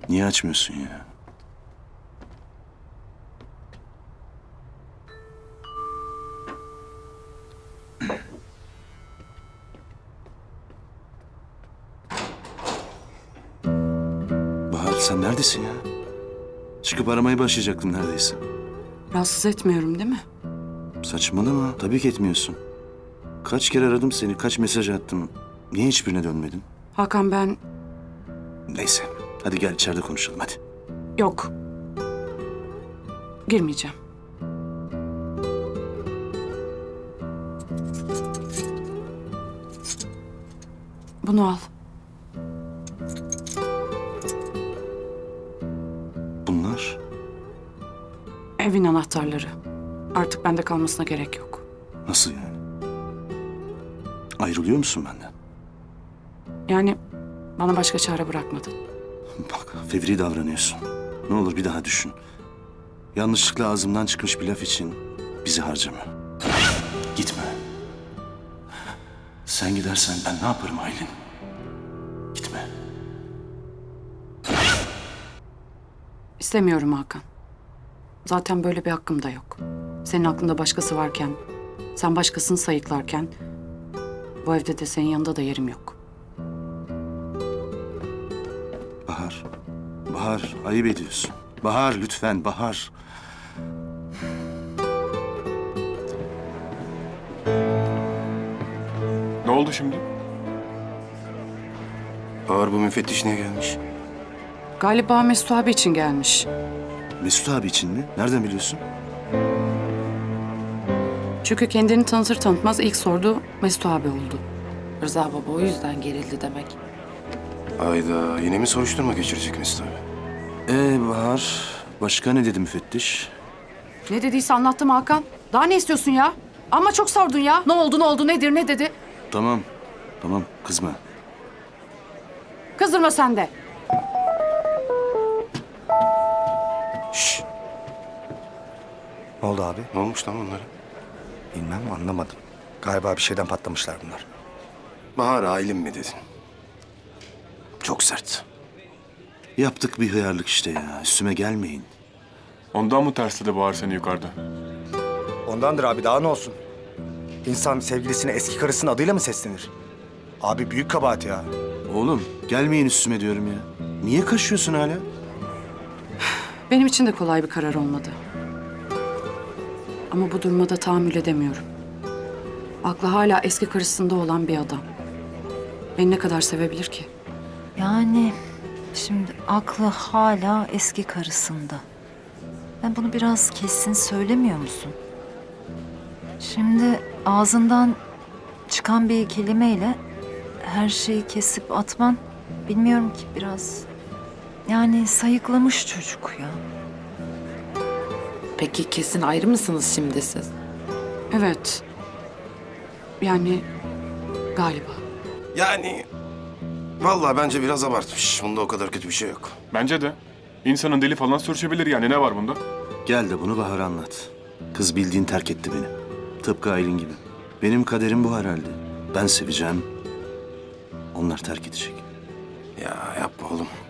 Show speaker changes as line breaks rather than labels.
Niye açmıyorsun ya? Bahar sen neredesin ya? Çıkıp aramaya başlayacaktım neredeyse.
Rahatsız etmiyorum değil mi?
Saçmalama. Tabii ki etmiyorsun. Kaç kere aradım seni, kaç mesaj attım. Niye hiçbirine dönmedin?
Hakan ben...
Neyse. Hadi gel içeride konuşalım hadi.
Yok. Girmeyeceğim. Bunu al.
Bunlar?
Evin anahtarları. Artık bende kalmasına gerek yok.
Nasıl yani? Ayrılıyor musun benden?
Yani bana başka çare bırakmadın.
Bak fevri davranıyorsun. Ne olur bir daha düşün. Yanlışlıkla ağzımdan çıkmış bir laf için bizi harcama. Gitme. Sen gidersen ben ne yaparım Aylin? Gitme.
İstemiyorum Hakan. Zaten böyle bir hakkım da yok. Senin aklında başkası varken, sen başkasını sayıklarken... ...bu evde de senin yanında da yerim yok.
Bahar. Bahar ayıp ediyorsun. Bahar lütfen Bahar.
Ne oldu şimdi?
Bahar bu müfettiş niye gelmiş?
Galiba Mesut abi için gelmiş.
Mesut abi için mi? Nereden biliyorsun?
Çünkü kendini tanıtır tanıtmaz ilk sorduğu Mesut abi oldu.
Rıza baba o yüzden gerildi demek.
Ayda yine mi soruşturma geçirecek Mesut abi?
Bahar. Başka ne dedi müfettiş?
Ne dediyse anlattım Hakan. Daha ne istiyorsun ya? Ama çok sordun ya. Ne oldu, nedir, ne dedi?
Tamam. Tamam kızma.
Kızdırma sen de.
Şşş!
Ne oldu abi?
Ne olmuş lan onlara?
Bilmem, anlamadım. Galiba bir şeyden patlamışlar bunlar.
Bahar Aylin mi dedin? Çok sert.
Yaptık bir hıyarlık işte ya. Üstüme gelmeyin.
Ondan mı tersledi Bahar seni yukarıda?
Ondandır abi, daha ne olsun? İnsan sevgilisine eski karısının adıyla mı seslenir? Abi büyük kabahat ya.
Oğlum gelmeyin üstüme diyorum ya. Niye kaşıyorsun hala?
Benim için de kolay bir karar olmadı. Ama bu duruma da tahammül edemiyorum. Aklı hala eski karısında olan bir adam. Beni ne kadar sevebilir ki?
Yani şimdi aklı hala eski karısında. Ben bunu biraz kesin söylemiyor musun? Şimdi ağzından çıkan bir kelimeyle her şeyi kesip atman bilmiyorum ki biraz... Yani sayıklamış çocuk ya.
Peki kesin ayrı mısınız şimdi siz?
Evet. Yani galiba.
Yani... Vallahi bence biraz abartmış. Bunda o kadar kötü bir şey yok.
Bence de. İnsanın deli falan sürçebilir yani ne var bunda?
Gel de bunu Bahar'a anlat. Kız bildiğin terk etti beni. Tıpkı Aylin gibi. Benim kaderim bu herhalde. Ben seveceğim. Onlar terk edecek.
Ya yapma oğlum.